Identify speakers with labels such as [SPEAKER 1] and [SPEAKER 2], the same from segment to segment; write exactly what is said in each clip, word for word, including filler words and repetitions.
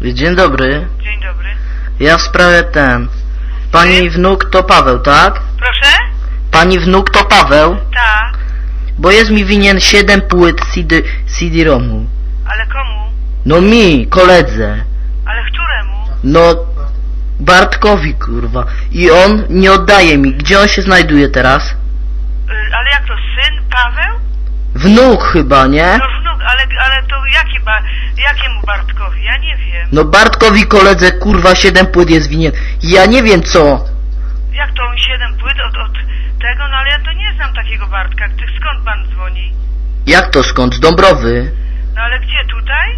[SPEAKER 1] Dzień dobry.
[SPEAKER 2] Dzień dobry.
[SPEAKER 1] Ja w sprawie ten. Pani wnuk to Paweł, tak?
[SPEAKER 2] Proszę?
[SPEAKER 1] Pani wnuk to Paweł?
[SPEAKER 2] Tak.
[SPEAKER 1] Bo jest mi winien siedem płyt C D-ROMu.
[SPEAKER 2] Ale komu?
[SPEAKER 1] No mi, koledze.
[SPEAKER 2] Ale któremu?
[SPEAKER 1] No Bartkowi, kurwa. I on nie oddaje mi. Gdzie on się znajduje teraz?
[SPEAKER 2] Y, ale jak to, syn Paweł?
[SPEAKER 1] Wnuk chyba, nie?
[SPEAKER 2] No wnuk, ale, ale to jaki ba, jakiemu Bartkowi? Ja nie wiem.
[SPEAKER 1] No Bartkowi koledze, kurwa, siedem płyt jest winien. Ja nie wiem co.
[SPEAKER 2] Jak to on siedem płyt od, od tego? No ale ja to nie znam takiego Bartka. Ty, skąd pan dzwoni?
[SPEAKER 1] Jak to skąd? Z Dąbrowy.
[SPEAKER 2] No ale gdzie, tutaj?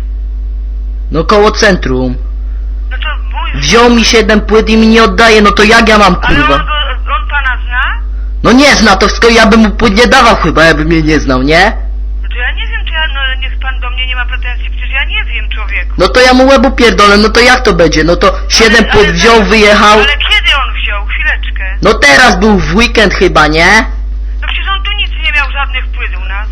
[SPEAKER 1] No koło centrum.
[SPEAKER 2] No to mój...
[SPEAKER 1] Wziął mi siedem płyt i mi nie oddaje, no to jak ja mam,
[SPEAKER 2] Ale
[SPEAKER 1] kurwa?
[SPEAKER 2] on, go, on pana zna?
[SPEAKER 1] No nie zna, to wszystko ja bym mu płyt nie dawał chyba, jakby mnie nie znał, nie?
[SPEAKER 2] No to ja nie wiem, czy ja, no niech pan do mnie nie ma pretensji, przecież ja nie wiem, człowieku.
[SPEAKER 1] No to ja mu łebu pierdolę, no to jak to będzie? No to siedem
[SPEAKER 2] Ale-
[SPEAKER 1] płyt
[SPEAKER 2] ale-
[SPEAKER 1] wziął, wyjechał.
[SPEAKER 2] Ale kiedy on wziął? Chwileczkę.
[SPEAKER 1] No teraz był w weekend chyba, nie?
[SPEAKER 2] No przecież on tu nic nie miał, żadnych płyt u nas.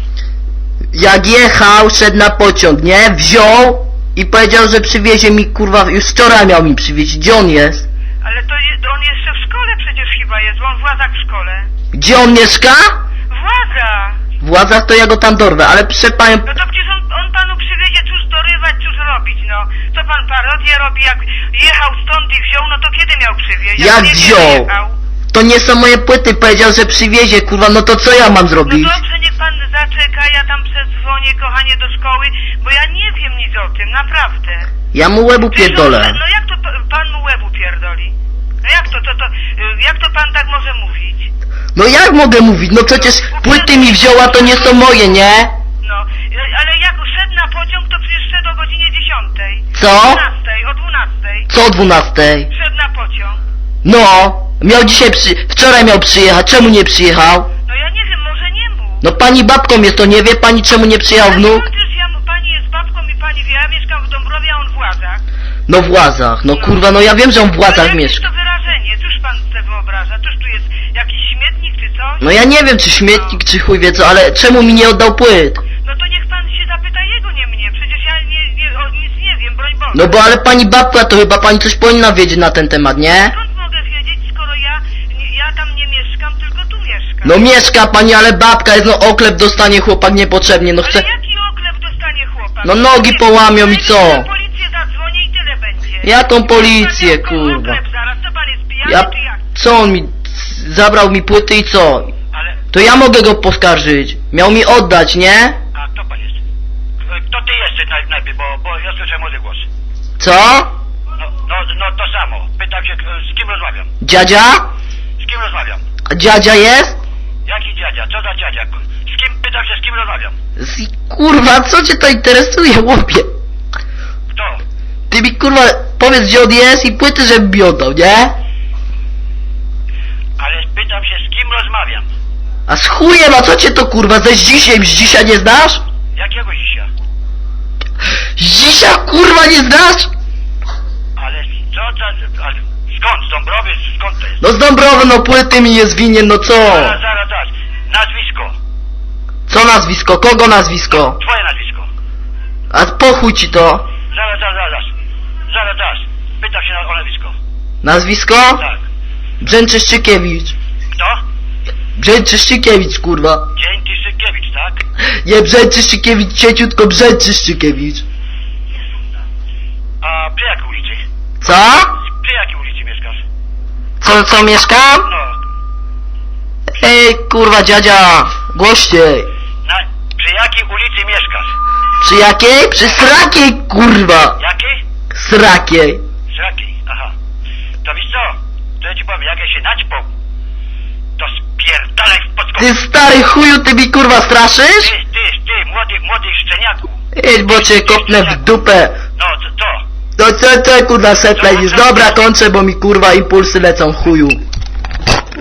[SPEAKER 1] Jak jechał, szedł na pociąg, nie? Wziął i powiedział, że przywiezie mi, kurwa, już wczoraj miał mi przywieźć. Gdzie on jest?
[SPEAKER 2] Ale to je, on jeszcze w szkole przecież chyba jest, bo on w Łazach w szkole.
[SPEAKER 1] Gdzie on mieszka?
[SPEAKER 2] W Łazach!
[SPEAKER 1] W Władzach to ja go tam dorwę, ale proszę panią...
[SPEAKER 2] No to przecież on, on panu przywiezie, cóż dorywać, cóż robić, no. Co pan parodię robi, jak jechał stąd i wziął, no to kiedy miał przywieźć?
[SPEAKER 1] Jak
[SPEAKER 2] nie
[SPEAKER 1] wziął?
[SPEAKER 2] Jechał?
[SPEAKER 1] To nie są moje płyty, powiedział, że przywiezie, kurwa, no to co ja mam zrobić?
[SPEAKER 2] No dobrze, niech pan zaczeka, ja tam przedzwonię, kochanie, do szkoły, bo ja nie wiem nic o tym, naprawdę.
[SPEAKER 1] Ja mu łebu
[SPEAKER 2] Przecież on-
[SPEAKER 1] pierdolę.
[SPEAKER 2] No jak to pa- pan mu łebu pierdoli? No jak to, to, to, y, jak to pan tak może mówić?
[SPEAKER 1] No jak mogę mówić? No przecież płyty mi wzięła, to nie są moje, nie?
[SPEAKER 2] No, y, ale jak szedł na pociąg, to przecież szedł o godzinie dziesiątej.
[SPEAKER 1] Co?
[SPEAKER 2] O dwunastej, o dwunastej.
[SPEAKER 1] Co o dwunastej?
[SPEAKER 2] Szedł na pociąg.
[SPEAKER 1] No, miał dzisiaj przy... Wczoraj miał przyjechać, czemu nie przyjechał?
[SPEAKER 2] No ja nie wiem, może nie mów.
[SPEAKER 1] No pani babką jest, to nie wie pani, czemu nie przyjechał wnuk?
[SPEAKER 2] Ale przecież ja, mu- pani jest babką i pani wie, ja mieszkam w Dąbrowie, a on w Łazach.
[SPEAKER 1] No w Łazach, no kurwa, no ja wiem, że on w
[SPEAKER 2] Ale
[SPEAKER 1] Łazach
[SPEAKER 2] jakieś
[SPEAKER 1] mieszka.
[SPEAKER 2] to wyrażenie, cóż pan sobie wyobraża? Cóż tu jest jakiś śmietnik czy coś?
[SPEAKER 1] No ja nie wiem, czy śmietnik, czy chuj wie co, ale czemu mi nie oddał płyt?
[SPEAKER 2] No to niech pan się zapyta jego, nie mnie. Przecież ja nie, nie, o, nic nie wiem, broń Boże.
[SPEAKER 1] No bo ale pani babka, to chyba pani coś powinna wiedzieć na ten temat, nie?
[SPEAKER 2] Skąd mogę wiedzieć, skoro ja, nie, ja tam nie mieszkam, tylko tu mieszkam?
[SPEAKER 1] No mieszka pani, ale babka jest, no oklep dostanie chłopak niepotrzebnie, no
[SPEAKER 2] Ale
[SPEAKER 1] chce...
[SPEAKER 2] jaki oklep dostanie chłopak?
[SPEAKER 1] No nogi
[SPEAKER 2] Nie,
[SPEAKER 1] połamią i
[SPEAKER 2] ja
[SPEAKER 1] co?
[SPEAKER 2] Na policję zadzwonię i tyle będzie.
[SPEAKER 1] Jaką policję,
[SPEAKER 2] Dostanie
[SPEAKER 1] kurwa?
[SPEAKER 2] oklep zaraz, co pan jest pijany,
[SPEAKER 1] Ja...
[SPEAKER 2] czy jak?
[SPEAKER 1] Co on mi... Zabrał mi płyty i co?
[SPEAKER 2] Ale,
[SPEAKER 1] To ja mogę go poskarżyć. Miał mi oddać, nie?
[SPEAKER 3] A kto pan jest? Kto ty jesteś naj, najpierw, bo, bo ja słyszę młody głos.
[SPEAKER 1] Co?
[SPEAKER 3] No, no, no to samo. Pytam się, z kim rozmawiam?
[SPEAKER 1] Dziadzia?
[SPEAKER 3] Z kim rozmawiam?
[SPEAKER 1] A dziadzia jest?
[SPEAKER 3] Jaki dziadzia? Co za dziadzia? Z kim, pytam się, z kim rozmawiam?
[SPEAKER 1] Z... Kurwa, co cię to interesuje, chłopie?
[SPEAKER 3] Kto?
[SPEAKER 1] Ty mi kurwa powiedz, gdzie on jest i płyty, żeby mi oddał, nie?
[SPEAKER 3] Ale pytam się, z kim rozmawiam?
[SPEAKER 1] A z chujem, a co cię to kurwa, ze Zdzisiem, Zdzisia nie znasz?
[SPEAKER 3] Jakiego dzisiaj?
[SPEAKER 1] Zdzisia kurwa nie znasz?
[SPEAKER 3] Ale co za... Ale skąd? Z Dąbrowy? Skąd to jest?
[SPEAKER 1] No z Dąbrowy, no płyty mi jest winien, no co?
[SPEAKER 3] Zaraz, zaraz, zaraz. Nazwisko.
[SPEAKER 1] Co nazwisko? Kogo nazwisko?
[SPEAKER 3] Twoje nazwisko.
[SPEAKER 1] A po chuj ci to?
[SPEAKER 3] Zaraz, zaraz, zaraz. Zaraz, zaraz. Pytam się na, o nazwisko.
[SPEAKER 1] Nazwisko?
[SPEAKER 3] Tak.
[SPEAKER 1] Brzęczyszczykiewicz.
[SPEAKER 3] Kto?
[SPEAKER 1] Brzęczyszczykiewicz, kurwa.
[SPEAKER 3] Dzięki Sykiewicz, tak?
[SPEAKER 1] Nie Brzęczyszczykiewicz, cieciutko Brzęczyszczykiewicz.
[SPEAKER 3] A przy jakiej ulicy?
[SPEAKER 1] Co?
[SPEAKER 3] Przy jakiej ulicy mieszkasz?
[SPEAKER 1] Co, co mieszkam?
[SPEAKER 3] No.
[SPEAKER 1] Ej, kurwa dziadzia, głośniej.
[SPEAKER 3] Na, przy jakiej ulicy mieszkasz?
[SPEAKER 1] Przy jakiej? Przy srakiej, kurwa.
[SPEAKER 3] Jakiej?
[SPEAKER 1] Srakiej.
[SPEAKER 3] Srakiej, aha. To wiesz co? To ja ci powiem, jak ja się naćpał, to spierdalaj w podskok.
[SPEAKER 1] Ty stary chuju, ty mi kurwa straszysz?
[SPEAKER 3] Ty, ty, ty, młody, młody szczeniaku.
[SPEAKER 1] Idź, bo cię kopnę w dupę.
[SPEAKER 3] No, to, to.
[SPEAKER 1] No co, co kurwa seplej, dobra kończę, bo mi kurwa impulsy lecą chuju.